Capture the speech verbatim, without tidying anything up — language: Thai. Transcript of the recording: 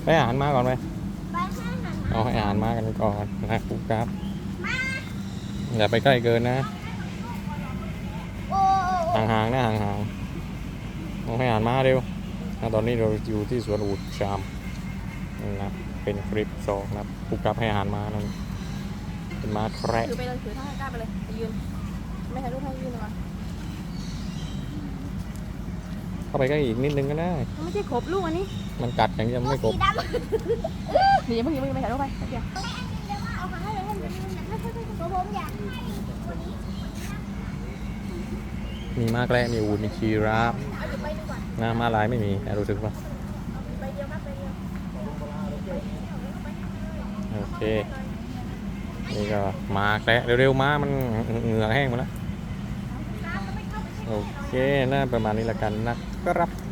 ไปอาหารมาก่อนไหมไปให้อาหารเอาให้อาหารมากันก่อนนะปุ๊บครับอย่าไปใกล้เกินนะโอ้โอ้ห่างๆนะห่างๆเอาให้อาหารมาเร็วนะตอนนี้เราอยู่ที่สวนอูฐชามนะเป็นคลิปสองนะปุ๊บครับให้อาหารมานั่นเป็นม้าแคระถือไปเลยถือท่าให้กล้าไปเลยไปยืนไม่ถ่ายรูปให้ยืนก่อนเข้าไปใกล้อีกนิดนึงก็ได้มันไม่ใช่ขบลูกอันนี้มันกัดอย่างนี้ไม่กสีบดำหนีเพิ่งหนีเพิ่งไปถ่ายรูปไปเดี๋ยวเดี๋ยวเอามาให้เลยให้เลยให้เลยผมอยากให้วันนี้มีม้าแคระมีอูฐมีชีราฟเอาอยู่ไปดีกว่านะม้าลายไม่มีนะรู้สึกปะไปเดียวครับไปเดียวโอเคนี่ก็ม้าแคระเร็วๆม้ามันเหงื่อแห้งหมดแล้วโอเคน่าประมาณนี้ละกันนะครับ